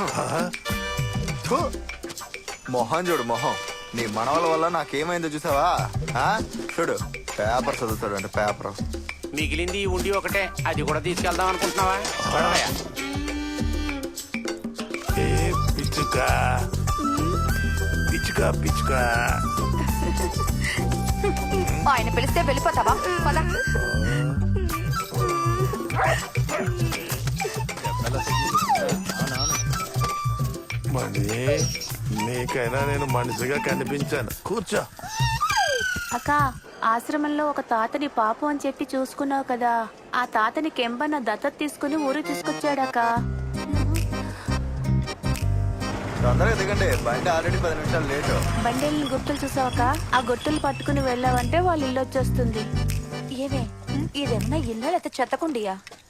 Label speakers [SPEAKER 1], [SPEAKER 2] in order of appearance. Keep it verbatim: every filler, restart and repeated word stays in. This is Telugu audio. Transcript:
[SPEAKER 1] థు. మొహం చూడు మొహం. నీ మనవల వల్ల నాకేమైందో చూసావా? ఆ? చూడు పేపర్ చదువుతాడు అంటే పేపర్.
[SPEAKER 2] మిగిలింది ఈ ఉండి ఒకటే, అది కూడా తీసుకెళ్దాం అనుకుంటున్నావా? పడవయ్యా.
[SPEAKER 3] ఏ పిచ్చుక పిచ్చుక పిచ్చుక.
[SPEAKER 4] ఆయన పిలిస్తే వెళ్ళిపోతావా? పద.
[SPEAKER 3] మణి, నీకైనా నేను మనిషిగా కనిపించాను. కూర్చో.
[SPEAKER 5] అక్క, ఆశ్రమంలో ఒక తాతని పాపం అని చెప్పి చూసుకున్నావు కదా, ఆ తాతని కెంబన్న దత్తత తీసుకుని ఊరు తీసుకొచ్చాడక్క.
[SPEAKER 1] తొందరగా దిగండి, బండి ఆల్రెడీ పది నిమిషాలు లేటు.
[SPEAKER 5] బండేళ్ళని గుర్తులు చూసావక్క? ఆ గుర్తులు పట్టుకుని వెళ్ళావంటే వాళ్ళ ఇల్లు వచ్చేస్తుంది.
[SPEAKER 4] ఏమే, ఇదేమన్నా ఇల్లు లేకపోతే చెత్తకుండియా?